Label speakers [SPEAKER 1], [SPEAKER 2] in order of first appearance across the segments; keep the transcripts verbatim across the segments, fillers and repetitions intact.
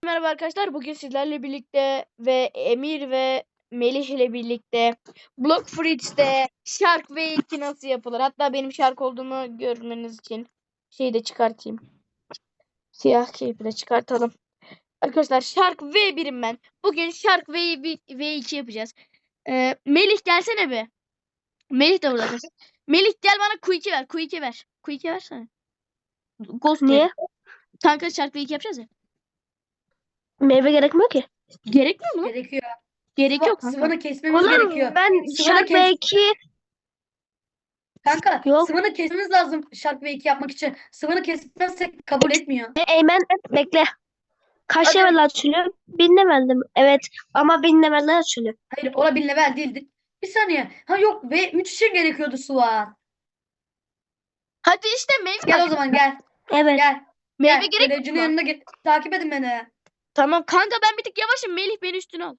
[SPEAKER 1] Merhaba arkadaşlar. Bugün sizlerle birlikte ve Emir ve Melih ile birlikte Block Fruits'te Shark V iki nasıl yapılır? Hatta benim Shark olduğumu görmeniz için şeyi de çıkartayım. Siyah keyfi de çıkartalım. Arkadaşlar Shark V birim ben. Bugün Shark V, V iki yapacağız. Ee, Melih gelsene be. Melih de burada arkadaşlar. Melih gel bana Q iki ver. Q iki ver. Q iki versene. Ghost
[SPEAKER 2] Niye?
[SPEAKER 1] ver. Kanka Shark V iki yapacağız ya.
[SPEAKER 2] Meyve gerekmiyor ki.
[SPEAKER 1] Gerekmiyor mu?
[SPEAKER 3] Gerekiyor.
[SPEAKER 1] Gerek
[SPEAKER 3] Sıva-
[SPEAKER 1] yok kanka.
[SPEAKER 3] Sıvanı kesmemiz
[SPEAKER 2] Oğlum
[SPEAKER 3] gerekiyor.
[SPEAKER 2] ben
[SPEAKER 3] Sıvanı
[SPEAKER 2] Shark
[SPEAKER 3] kes-
[SPEAKER 2] belki
[SPEAKER 3] Kanka
[SPEAKER 2] Yok.
[SPEAKER 3] sıvanı kesmemiz lazım Shark V iki yapmak için. Sıvanı kesmezsek kabul etmiyor.
[SPEAKER 2] Eymen bekle. Kaç
[SPEAKER 3] Hadi.
[SPEAKER 2] level açılıyor? Bin level'dim. Evet ama bin level'ler açılıyor.
[SPEAKER 3] Hayır ola bir level değildi. Bir saniye. Ha yok ve üç için gerekiyordu Sıvan.
[SPEAKER 1] Hadi işte meyve.
[SPEAKER 3] Gel o zaman gel.
[SPEAKER 2] Evet.
[SPEAKER 3] Gel.
[SPEAKER 1] Meyve
[SPEAKER 3] Gel.
[SPEAKER 1] gerek
[SPEAKER 3] Görevcinin
[SPEAKER 1] yok.
[SPEAKER 3] yanına git. Takip edin beni.
[SPEAKER 1] Tamam kanka ben bir tık yavaşım. Melih beni üstüne al.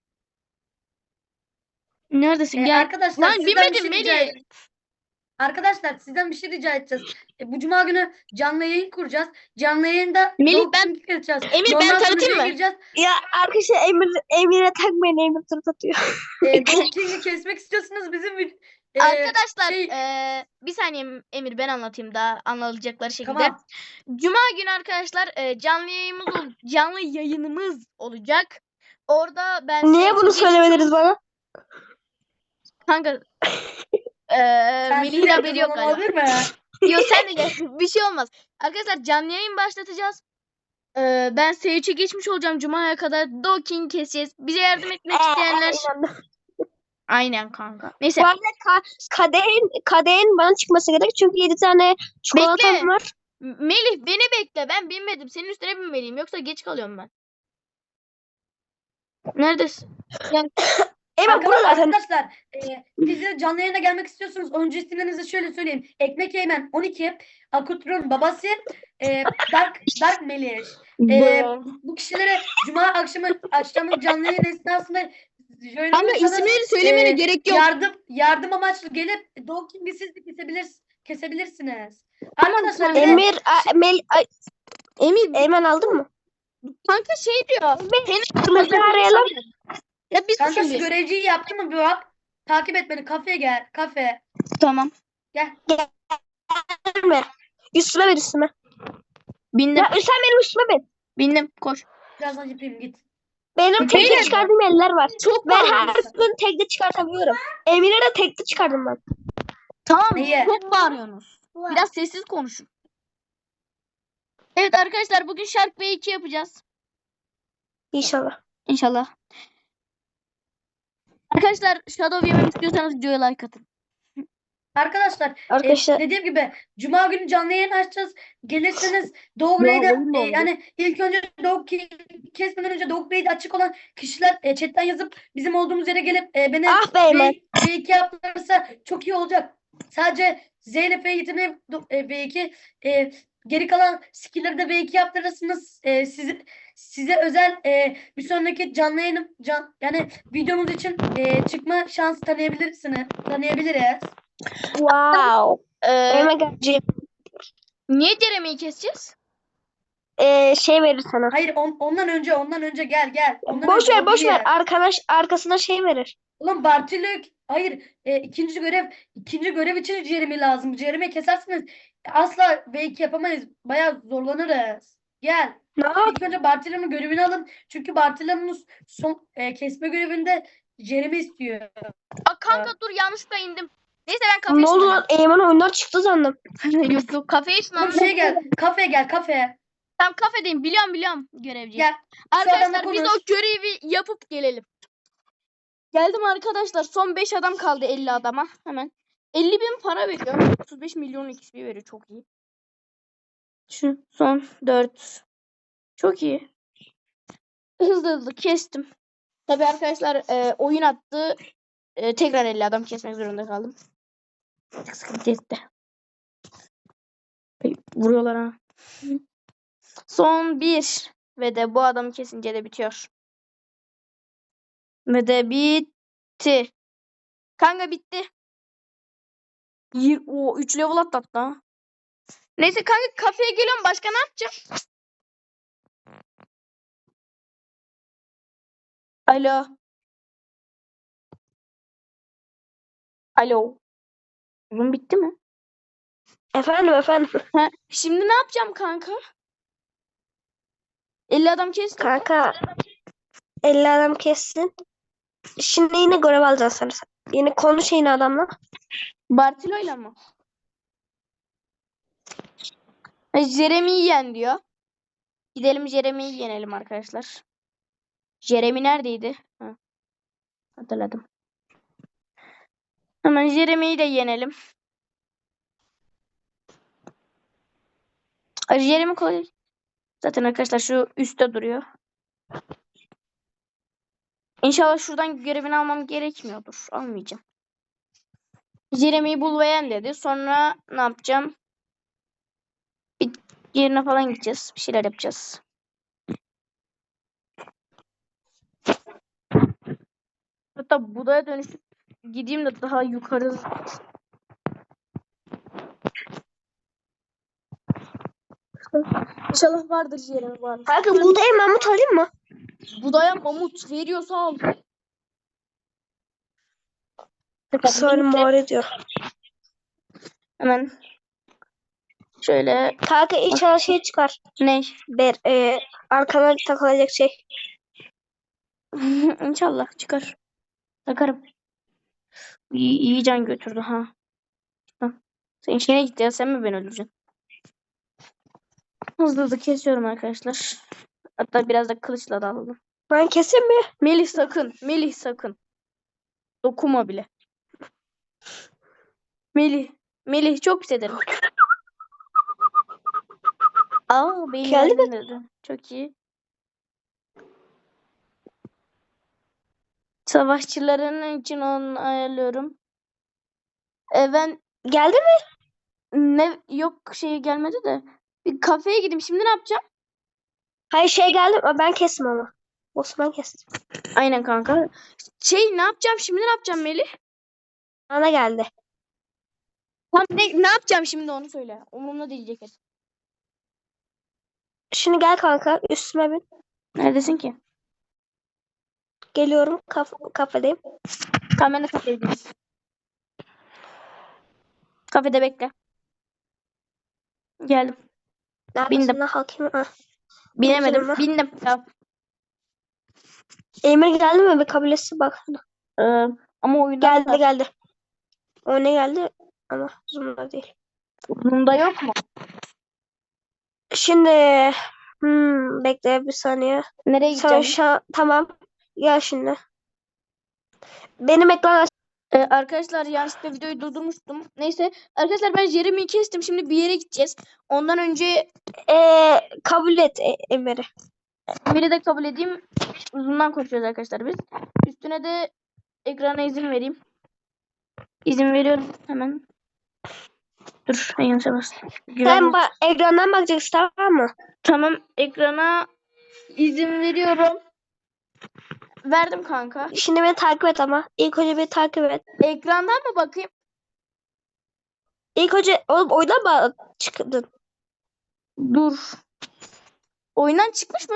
[SPEAKER 1] Neredesin?
[SPEAKER 3] Ee,
[SPEAKER 1] Gel.
[SPEAKER 3] arkadaşlar
[SPEAKER 1] Lan
[SPEAKER 3] sizden
[SPEAKER 1] bilmedim
[SPEAKER 3] bir şey rica
[SPEAKER 1] Melih.
[SPEAKER 3] ed- Arkadaşlar sizden bir şey rica edeceğiz. E, bu cuma günü canlı yayın kuracağız. Canlı yayında
[SPEAKER 1] Melih,
[SPEAKER 3] Dog
[SPEAKER 1] ben-
[SPEAKER 3] King yapacağız.
[SPEAKER 1] Emir, ben
[SPEAKER 3] Normal
[SPEAKER 1] tanıtayım
[SPEAKER 3] sunucuya
[SPEAKER 1] mı?
[SPEAKER 3] gireceğiz.
[SPEAKER 2] Ya arkadaşlar Emir Emir'e takmayın, Emir tır atıyor.
[SPEAKER 3] E, Dog King'i kesmek istiyorsunuz bizim bir- e,
[SPEAKER 1] Arkadaşlar
[SPEAKER 3] şey-
[SPEAKER 1] eee, bir saniye Emir ben anlatayım daha anlayacakları şekilde.
[SPEAKER 3] Tamam.
[SPEAKER 1] Cuma günü arkadaşlar eee, canlı yayınımız ol- canlı yayınımız olacak. Orada ben
[SPEAKER 2] Niye
[SPEAKER 1] size
[SPEAKER 2] bunu
[SPEAKER 1] geçmiş-
[SPEAKER 2] söylemediniz bana?
[SPEAKER 1] Kanka eee
[SPEAKER 3] Sen
[SPEAKER 1] Melih'in haberi yok
[SPEAKER 3] zaman
[SPEAKER 1] galiba.
[SPEAKER 3] olabilir mi?
[SPEAKER 1] Yok sen de gel. Bir şey olmaz. Arkadaşlar canlı yayın başlatacağız. Ee, ben S üçe geçmiş olacağım Cuma'ya kadar. Doking keseceğiz. Bize yardım etmek isteyenler.
[SPEAKER 2] inandım.
[SPEAKER 1] Aynen kanka. Neyse.
[SPEAKER 2] Bu arada ka kadehin, kadehin bana çıkması gerek çünkü yedi tane çikolatam
[SPEAKER 1] Bekle.
[SPEAKER 2] var.
[SPEAKER 1] M- Melih beni bekle. Ben binmedim. Senin üstüne binmeliyim. Yoksa geç kalıyorum ben. Neredesin? Gel.
[SPEAKER 2] Eymen burada
[SPEAKER 3] Arkadaşlar,
[SPEAKER 2] zaten.
[SPEAKER 3] arkadaşlar e, siz de canlı yayına gelmek istiyorsunuz. Önce isimlerinizi şöyle söyleyeyim. Ekmek Eymen on iki, Akutrun babası, e, Dark Dark Meliş. E,
[SPEAKER 1] Bu-
[SPEAKER 3] bu kişilere cuma akşamı açtığımız canlı yayın esnasında şöyle
[SPEAKER 1] Kanka
[SPEAKER 3] olursanız,
[SPEAKER 1] isimleri söylemene
[SPEAKER 3] e,
[SPEAKER 1] gerek yok.
[SPEAKER 3] Yardım yardım amaçlı gelip Dog King'i siz de kesebilir, kesebilirsiniz.
[SPEAKER 1] Tamam,
[SPEAKER 3] Arkadaşlar
[SPEAKER 1] tamam.
[SPEAKER 3] bir de-
[SPEAKER 2] Emir, a, Mel, ay,
[SPEAKER 1] Emir
[SPEAKER 2] Eymen aldın mı?
[SPEAKER 1] kanka şey diyor.
[SPEAKER 2] Kırmızı arayalım.
[SPEAKER 1] Ya biz
[SPEAKER 3] kanka şu
[SPEAKER 1] şimdi.
[SPEAKER 3] görevciyi yaptı mı bir bak. Takip et beni, kafeye gel, kafe.
[SPEAKER 1] Tamam.
[SPEAKER 2] Gelme. Üstüme ver üstüme.
[SPEAKER 1] Bindim.
[SPEAKER 2] Ya sen benim üstüme bin.
[SPEAKER 1] Bindim. Koş.
[SPEAKER 3] Birazdan yapayım, git.
[SPEAKER 2] Benim
[SPEAKER 1] Beyler,
[SPEAKER 2] tekli çıkardığım eller var.
[SPEAKER 1] Çok
[SPEAKER 2] Ben
[SPEAKER 1] bağırıyorsun.
[SPEAKER 2] her gün tekli çıkartabiliyorum. Emir'e de tekli çıkardım ben.
[SPEAKER 1] Tamam.
[SPEAKER 3] Niye?
[SPEAKER 1] Çok bağırıyorsunuz. Biraz sessiz konuşun. Evet arkadaşlar bugün Shark V iki yapacağız.
[SPEAKER 2] İnşallah.
[SPEAKER 1] İnşallah. Arkadaşlar Shadow yemek istiyorsanız videoya like atın.
[SPEAKER 3] Arkadaşlar,
[SPEAKER 2] Arkadaşlar
[SPEAKER 3] e, dediğim gibi Cuma günü canlı yayın açacağız. Gelirseniz Dog
[SPEAKER 1] Ya,
[SPEAKER 3] Raid'e
[SPEAKER 1] oyun mu
[SPEAKER 3] e,
[SPEAKER 1] oldu?
[SPEAKER 3] yani ilk önce Dog King kesmeden önce Dog Raid'e açık olan kişiler e, chatten yazıp bizim olduğumuz yere gelip e, beni
[SPEAKER 2] ah be Eymen.
[SPEAKER 3] V iki yaptırırsa çok iyi olacak. Sadece Z ile F yeteneği do- e, V iki, e, geri kalan skill'leri de V iki yaptırırsınız. E, sizi, size özel e, bir sonraki canlı yayınım can, yani videomuz için e, çıkma şansı tanıyabilirsiniz. Tanıyabiliriz.
[SPEAKER 2] Wow.
[SPEAKER 1] Ee,
[SPEAKER 2] Eymen geleceğim.
[SPEAKER 1] niye Jeremy'yi keseceğiz?
[SPEAKER 2] Ee, şey verir sana.
[SPEAKER 3] Hayır on- ondan önce ondan önce gel gel. Ondan
[SPEAKER 2] Boş
[SPEAKER 3] önce
[SPEAKER 2] ver
[SPEAKER 3] o
[SPEAKER 2] boş
[SPEAKER 3] diye.
[SPEAKER 2] ver. Arkadaş arkasına şey verir.
[SPEAKER 3] Ulan Bartülük. Hayır e, ikinci görev ikinci görev için Jeremy lazım. Jeremy kesersiniz. Asla V iki yapamayız. Bayağı zorlanırız. Gel.
[SPEAKER 2] Ne yap?
[SPEAKER 3] İlk önce Bartolomeu görevini alın. Çünkü Bartolomeus son e, kesme görevinde Jeremy istiyor.
[SPEAKER 1] Aa, kanka dur yanlışlıkla indim. Neyse ben kafeye
[SPEAKER 2] Ne oldu lan? Eymen oyundan çıktı sandım.
[SPEAKER 1] ışınlandım. Yok yok kafeye
[SPEAKER 3] Oğlum
[SPEAKER 1] ışınlandım.
[SPEAKER 3] şey gel. Kafeye gel kafeye.
[SPEAKER 1] Tam kafedeyim biliyorum biliyorum görevci.
[SPEAKER 3] Gel.
[SPEAKER 1] Arkadaşlar
[SPEAKER 3] adamla
[SPEAKER 1] biz o
[SPEAKER 3] konuş.
[SPEAKER 1] görevi yapıp gelelim. Geldim arkadaşlar son beş adam kaldı elli adama hemen. elli bin para veriyor. otuz beş milyon X P veriyor çok iyi. Şu son dört. Çok iyi. Hızlı hızlı kestim. Tabi arkadaşlar e, oyun attı. E, tekrar elli adam kesmek zorunda kaldım. Çok sıkıntı etti. Vuruyorlar ha. Son bir. Ve de bu adamı kesince de bitiyor. Ve de bitti. Kanka bitti. O üç level atlattı ha. Neyse kanka kafeye geliyorum. Başka ne yapacağım? Alo. Alo. Uzun bitti mi?
[SPEAKER 2] Efendim efendim.
[SPEAKER 1] Ha, şimdi ne yapacağım kanka? elli adam kestim.
[SPEAKER 2] Kanka elli adam kessin. Şimdi yine görev alacaksın sen. Yine konuş yine adamla.
[SPEAKER 1] Bartilo'yla mı? Ha, Jeremy'yi yen diyor. Gidelim Jeremy'yi yenelim arkadaşlar. Jeremy neredeydi? Ha, hatırladım. Hemen Jeremy'yi de yenelim. Ay, Jeremy kolay. Zaten arkadaşlar şu üstte duruyor. İnşallah şuradan görevini almam gerekmiyordur. Almayacağım. Jeremy'yi bul ve yen dedi. Sonra ne yapacağım? Bir yerine falan gideceğiz. Bir şeyler yapacağız. Hatta Buda'ya dönüşüp gideyim de daha yukarı. İnşallah vardır Jeremy var.
[SPEAKER 2] Kanka buğdayı mamut alayım mı?
[SPEAKER 1] Buda'ya mamut veriyorsa al.
[SPEAKER 2] Sonra mağara diyor.
[SPEAKER 1] Hemen şöyle
[SPEAKER 2] Kanka inşallah şey çıkar.
[SPEAKER 1] ne?
[SPEAKER 2] Ber, e, arkana takılacak şey.
[SPEAKER 1] İnşallah çıkar. Takarım. İyi, iyi can götürdü ha. Sen işine git ya, sen mi beni öldüreceksin? Hızlı hızlı kesiyorum arkadaşlar. Hatta biraz da kılıçla da alalım.
[SPEAKER 2] Ben keseyim mi?
[SPEAKER 1] Melih sakın. Melih sakın. Dokuma bile. Melih. Melih çok pis ederim. Aa beni
[SPEAKER 2] Geldi mi?
[SPEAKER 1] öldürdü. Çok iyi. Savaşçıların için onu ayarlıyorum. E ben
[SPEAKER 2] Geldi mi?
[SPEAKER 1] ne yok şey gelmedi de. Bir kafeye gideyim. Şimdi ne yapacağım?
[SPEAKER 2] Hayır şey geldi ama ben kestim ama. Osman kestim.
[SPEAKER 1] Aynen kanka. Şey ne yapacağım şimdi, ne yapacağım Melih?
[SPEAKER 2] Bana geldi.
[SPEAKER 1] Tam ne, ne yapacağım şimdi onu söyle. Umurumda değil ceket.
[SPEAKER 2] Şimdi gel kanka üstüme bin.
[SPEAKER 1] Neredesin ki?
[SPEAKER 2] Geliyorum kaf kafedeyim.
[SPEAKER 1] Tamam ben de kafedeyim. Kafede bekle. Geldim.
[SPEAKER 2] Neredesin
[SPEAKER 1] Bindim.
[SPEAKER 2] lan hakim? Ha.
[SPEAKER 1] Binemedim.
[SPEAKER 2] Bakayım
[SPEAKER 1] Bindim. Ya,
[SPEAKER 2] Emir geldi mi? Bir kabilesi bak.
[SPEAKER 1] e, ama oyundan
[SPEAKER 2] Geldi geldi. O ne geldi? Ama zoom'da değil.
[SPEAKER 1] bunda yok mu?
[SPEAKER 2] Şimdi hmm, bekle bir saniye.
[SPEAKER 1] Nereye
[SPEAKER 2] Sen
[SPEAKER 1] gideceğim?
[SPEAKER 2] şu an tamam. Gel şimdi. Benim ekran aç.
[SPEAKER 1] E, arkadaşlar yanlışlıkla videoyu durdurmuştum. Neyse. Arkadaşlar ben Jeremy'yi kestim. Şimdi bir yere gideceğiz. Ondan önce
[SPEAKER 2] Ee, kabul et e Emir'i.
[SPEAKER 1] biri de kabul edeyim. Uzundan konuşuyoruz arkadaşlar biz. Üstüne de ekrana izin vereyim. İzin veriyorum hemen. Dur. Yanlış bastım.
[SPEAKER 2] Sen bak ekrandan bakacaksın tamam mı?
[SPEAKER 1] Tamam, ekrana izin veriyorum. Verdim kanka.
[SPEAKER 2] Şimdi beni takip et ama. İlk önce beni takip et.
[SPEAKER 1] Ekrandan mı bakayım?
[SPEAKER 2] İlk önce oğlum oyundan mı çıktın?
[SPEAKER 1] Dur. Oyundan çıkmış mı?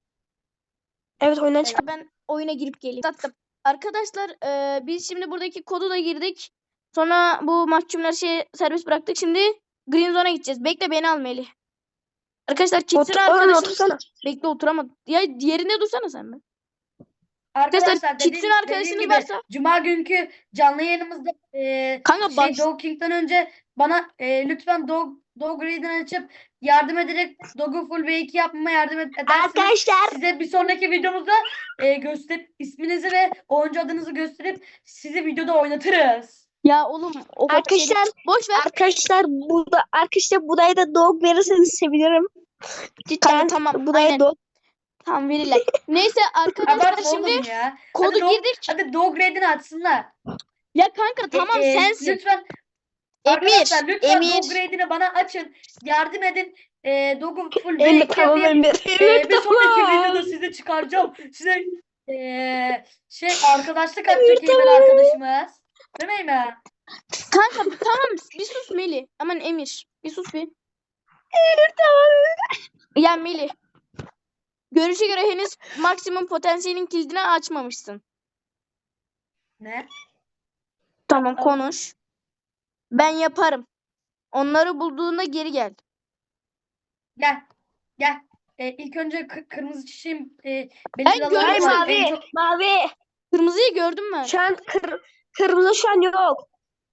[SPEAKER 2] Evet oyundan çıktın.
[SPEAKER 1] Ben oyuna girip geleyim. Tattım. Arkadaşlar e, biz şimdi buradaki kodu da girdik. Sonra bu mahkumları şey serbest bıraktık. Şimdi Green Zone'a gideceğiz. Bekle beni al Melih. Arkadaşlar Kitsin
[SPEAKER 2] Otur, oğlum,
[SPEAKER 1] arkadaşımız.
[SPEAKER 2] otursana.
[SPEAKER 1] Bekle oturamadım. Ya yerinde dursana sen be.
[SPEAKER 3] Arkadaşlar
[SPEAKER 1] Arkadaşlar
[SPEAKER 3] dediğim,
[SPEAKER 1] Kitsin
[SPEAKER 3] dediğim
[SPEAKER 1] arkadaşınız
[SPEAKER 3] gibi
[SPEAKER 1] varsa.
[SPEAKER 3] Cuma günkü canlı yayınımızda e,
[SPEAKER 1] Kanka
[SPEAKER 3] şey
[SPEAKER 1] baş...
[SPEAKER 3] Dog King'den önce bana e, lütfen Dog Dog Raid'ini açıp yardım ederek Dog'u full V iki yapmama yardım ed- edersiniz.
[SPEAKER 2] Arkadaşlar
[SPEAKER 3] Size bir sonraki videomuzda e, göster isminizi ve oyuncu adınızı gösterip sizi videoda oynatırız.
[SPEAKER 1] Ya oğlum o kadar şey-
[SPEAKER 2] arkadaşlar
[SPEAKER 1] boş ver.
[SPEAKER 2] arkadaşlar burada arkadaşlar budaya da dog verirseniz sevinirim. Cidden
[SPEAKER 1] Kanka, tamam,
[SPEAKER 2] budaya
[SPEAKER 1] aynen.
[SPEAKER 2] dog.
[SPEAKER 1] Tamam verirler. Neyse arkadaşlar
[SPEAKER 3] Abartma
[SPEAKER 1] şimdi
[SPEAKER 3] oğlum ya.
[SPEAKER 1] kodu
[SPEAKER 3] hadi Dog,
[SPEAKER 1] girdik.
[SPEAKER 3] Hadi Dog Raid'ini açsınlar.
[SPEAKER 1] Ya kanka tamam
[SPEAKER 3] E, e,
[SPEAKER 1] sensin.
[SPEAKER 3] Lütfen
[SPEAKER 1] Emir,
[SPEAKER 3] arkadaşlar lütfen
[SPEAKER 1] Emir.
[SPEAKER 3] Dog Raid'ini bana açın. Yardım edin. E, Dog'u full V
[SPEAKER 2] Emir
[SPEAKER 3] iki
[SPEAKER 2] tamam
[SPEAKER 3] yapayım.
[SPEAKER 2] Emir.
[SPEAKER 3] Ee,
[SPEAKER 2] Emir
[SPEAKER 3] bir sonraki
[SPEAKER 2] tamam.
[SPEAKER 3] videoda size çıkaracağım. Size ee, şey arkadaşlık yapacak Eymen arkadaşımız. Değil mi Eymen?
[SPEAKER 1] Kanka tamam bir sus Melih. Aman Emir bir sus bir.
[SPEAKER 2] Emir tamam.
[SPEAKER 1] Ya Melih. Görüşe göre henüz maksimum potansiyelin kilidini açmamışsın.
[SPEAKER 3] Ne?
[SPEAKER 1] Tamam, konuş. Ben yaparım. Onları bulduğunda geri gel.
[SPEAKER 3] Gel. Gel. E, ilk önce kı- kırmızı çiçeğim e,
[SPEAKER 1] Ben
[SPEAKER 3] benim
[SPEAKER 1] gördüm
[SPEAKER 2] Ay
[SPEAKER 3] alanım var. En
[SPEAKER 2] mavi.
[SPEAKER 3] çok
[SPEAKER 2] Mavi.
[SPEAKER 1] Kırmızıyı gördüm ben.
[SPEAKER 2] Şu an kır, kırmızı şu an yok.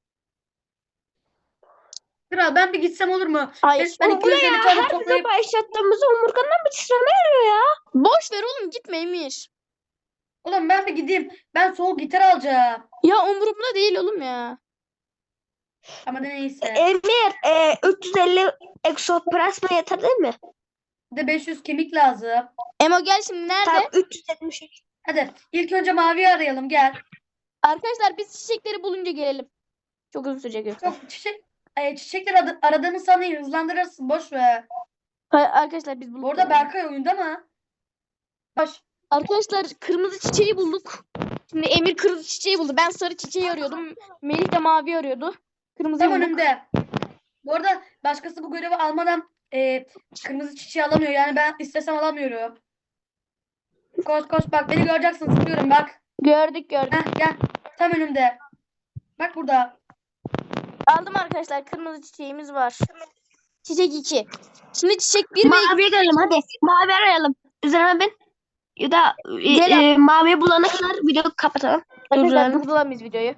[SPEAKER 3] Kral ben bir gitsem olur mu?
[SPEAKER 1] Hayır.
[SPEAKER 3] Ben
[SPEAKER 2] Oğlum bu ne
[SPEAKER 3] iki yüz elli
[SPEAKER 2] ya?
[SPEAKER 3] tane
[SPEAKER 2] Her
[SPEAKER 3] toplayıp
[SPEAKER 2] bize başlattığımızda omurgandan bir titreme geliyor ya.
[SPEAKER 1] Boş ver oğlum, gitme Emir.
[SPEAKER 3] Oğlum ben bir gideyim. Ben soğuk gitar alacağım.
[SPEAKER 1] Ya umurumda değil oğlum ya.
[SPEAKER 3] Ama ne neyse.
[SPEAKER 2] Emir e, üç yüz elli eksoplasma yeter değil mi?
[SPEAKER 3] Bir de beş yüz kemik lazım.
[SPEAKER 1] Emo gel şimdi, nerede?
[SPEAKER 2] Tamam üç yüz yetmiş üç.
[SPEAKER 3] Hadi ilk önce maviyi arayalım gel.
[SPEAKER 1] Arkadaşlar biz çiçekleri bulunca gelelim. Çok uzun sürecek yoksa.
[SPEAKER 3] Çok çiçek e, çiçekler adı, aradığını sanayım hızlandırırsın boş ver.
[SPEAKER 1] Hayır, arkadaşlar biz bulduk.
[SPEAKER 3] Bu arada Berkay oyunda mı? Boş.
[SPEAKER 1] Arkadaşlar kırmızı çiçeği bulduk. Şimdi Emir kırmızı çiçeği buldu. Ben sarı çiçeği arıyordum. Melih de mavi arıyordu. Kırmızıyı
[SPEAKER 3] Tam
[SPEAKER 1] bulduk.
[SPEAKER 3] önümde. Bu arada başkası bu görevi almadan e, kırmızı çiçeği alamıyor. Yani ben istesem alamıyorum. Koş koş bak beni göreceksin zıplıyorum bak.
[SPEAKER 1] Gördük gördük.
[SPEAKER 3] Heh, gel. Tam önümde. Bak burada.
[SPEAKER 1] Aldım arkadaşlar. Kırmızı çiçeğimiz var. Çiçek iki. Şimdi çiçek bir ve
[SPEAKER 2] Maviye gelelim hadi. Mavi arayalım. Üzerine bin. Ya da e,
[SPEAKER 1] Gel
[SPEAKER 2] e, maviye bulana kadar videoyu kapatalım.
[SPEAKER 1] arkadaşlar
[SPEAKER 2] Durduralım.
[SPEAKER 1] durduramayız videoyu.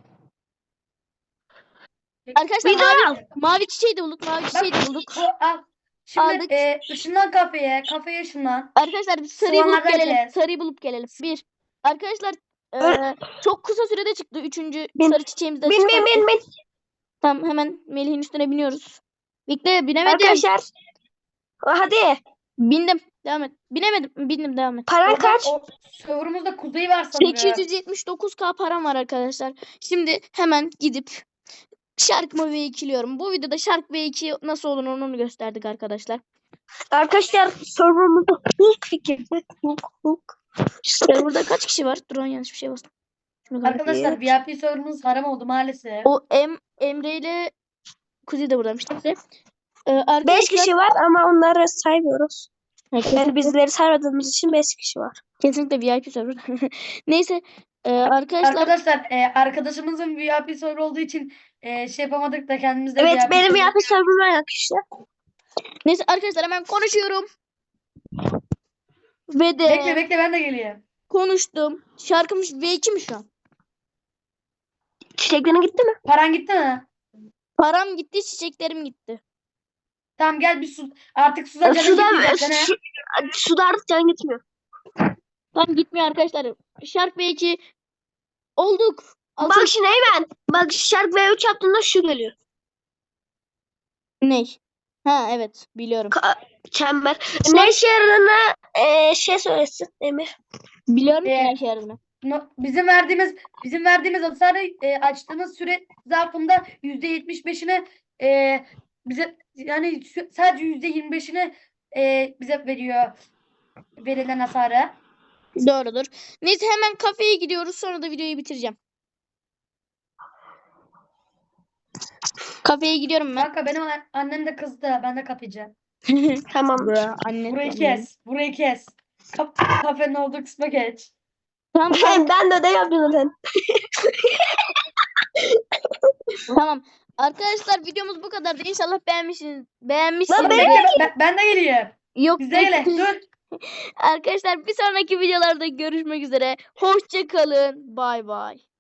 [SPEAKER 1] Arkadaşlar
[SPEAKER 2] Video
[SPEAKER 1] mavi,
[SPEAKER 2] al.
[SPEAKER 1] mavi çiçeği de bulduk. Mavi çiçeği de bulduk.
[SPEAKER 3] Bu, al. Şimdi
[SPEAKER 1] Aldık.
[SPEAKER 3] e, ışınlan kafeye. Kafeye ışınlan.
[SPEAKER 1] Arkadaşlar biz sarıyı bulup
[SPEAKER 3] Soğanlardan
[SPEAKER 1] gelelim.
[SPEAKER 3] ele.
[SPEAKER 1] Sarıyı bulup gelelim. Bir. Arkadaşlar
[SPEAKER 2] Öyle.
[SPEAKER 1] eee, çok kısa sürede çıktı. Üçüncü
[SPEAKER 2] Bin.
[SPEAKER 1] sarı çiçeğimizi de
[SPEAKER 2] Bin bin
[SPEAKER 1] çıkarttık.
[SPEAKER 2] bin bin.
[SPEAKER 1] Tamam, hemen Melih'in üstüne biniyoruz. Bekle, binemedim.
[SPEAKER 2] Arkadaşlar. Hadi.
[SPEAKER 1] Bindim. Devam et. Binemedim. Bindim, devam et.
[SPEAKER 2] Paran
[SPEAKER 3] Orada,
[SPEAKER 2] kaç?
[SPEAKER 3] o, serverımızda kuzey var sanırım.
[SPEAKER 1] sekiz yüz yetmiş dokuz K param var arkadaşlar. Şimdi hemen gidip Shark V ikiliyorum. Bu videoda Shark V iki nasıl olur onu gösterdik arkadaşlar.
[SPEAKER 2] Arkadaşlar serverımızda Hulk fikri. Hulk Hulk.
[SPEAKER 1] Serverda kaç kişi var? Dur, yanlış bir şey bastım. Şunu kapat.
[SPEAKER 3] Arkadaşlar V I P serverımız haram oldu maalesef.
[SPEAKER 1] O em, Emre ile Kuzey de buradaymış. Neyse. Ee, arkadaşlar,
[SPEAKER 2] beş kişi var ama onları saymıyoruz.
[SPEAKER 1] Ha, kesin-
[SPEAKER 2] Yani bizleri saymadığımız için beş kişi var.
[SPEAKER 1] kesinlikle V I P server. Neyse. Ee, arkadaşlar
[SPEAKER 3] Arkadaşlar e, arkadaşımızın V I P server olduğu için e, şey yapamadık da kendimizde
[SPEAKER 2] Evet
[SPEAKER 3] V I P
[SPEAKER 2] benim
[SPEAKER 3] server-
[SPEAKER 2] yapı serverım yok işte.
[SPEAKER 1] neyse arkadaşlar hemen konuşuyorum. Ve de
[SPEAKER 3] Bekle bekle ben de geleyim.
[SPEAKER 1] konuştum. Şarkımız V iki mi şu an?
[SPEAKER 2] Çiçeklerin gitti mi?
[SPEAKER 3] Paran gitti mi?
[SPEAKER 1] Param gitti, çiçeklerim gitti.
[SPEAKER 3] Tamam gel bir su. Artık suda canın
[SPEAKER 2] Suda,
[SPEAKER 3] gitmeyecek sana.
[SPEAKER 2] su, suda artık can gitmiyor.
[SPEAKER 1] Tam gitmiyor arkadaşlar. Shark V iki olduk. Altın
[SPEAKER 2] Bak şimdi hemen. Bak Shark V üç yaptığında şu geliyor.
[SPEAKER 1] ne? Ha evet, biliyorum.
[SPEAKER 2] Ka- çember. Ne işe yaradığını e, şey söylesin Emir.
[SPEAKER 1] Biliyorum ki
[SPEAKER 3] Ee,
[SPEAKER 1] ne işe yaradığını.
[SPEAKER 3] No- Bizim verdiğimiz bizim verdiğimiz hasarı e, açtığımız süre zarfında yüzde yetmiş beşine e, bize yani sü- sadece yüzde yirmi beşine e, bize veriyor verilen hasarı.
[SPEAKER 1] Doğrudur. Neyse hemen kafeye gidiyoruz, sonra da videoyu bitireceğim. Kafeye gidiyorum ben.
[SPEAKER 3] Kanka benim an- annem de kızdı. Ben de kapayacağım.
[SPEAKER 2] Tamam.
[SPEAKER 1] Bra, anne.
[SPEAKER 3] Burayı kes. Burayı kes. Kap kafenin olduğu kısma geç.
[SPEAKER 1] Tamam, tamam,
[SPEAKER 2] Ben de ödev yapıyorum zaten.
[SPEAKER 1] tamam. Arkadaşlar videomuz bu kadardı. İnşallah beğenmişsiniz.
[SPEAKER 2] Lan
[SPEAKER 1] Beğenmişsiniz.
[SPEAKER 2] benim-
[SPEAKER 3] Bekle, ben, ben de geleyim.
[SPEAKER 1] Yok.
[SPEAKER 3] Bize gele. Dur.
[SPEAKER 1] Arkadaşlar bir sonraki videolarda görüşmek üzere. Hoşça kalın. Bay bay.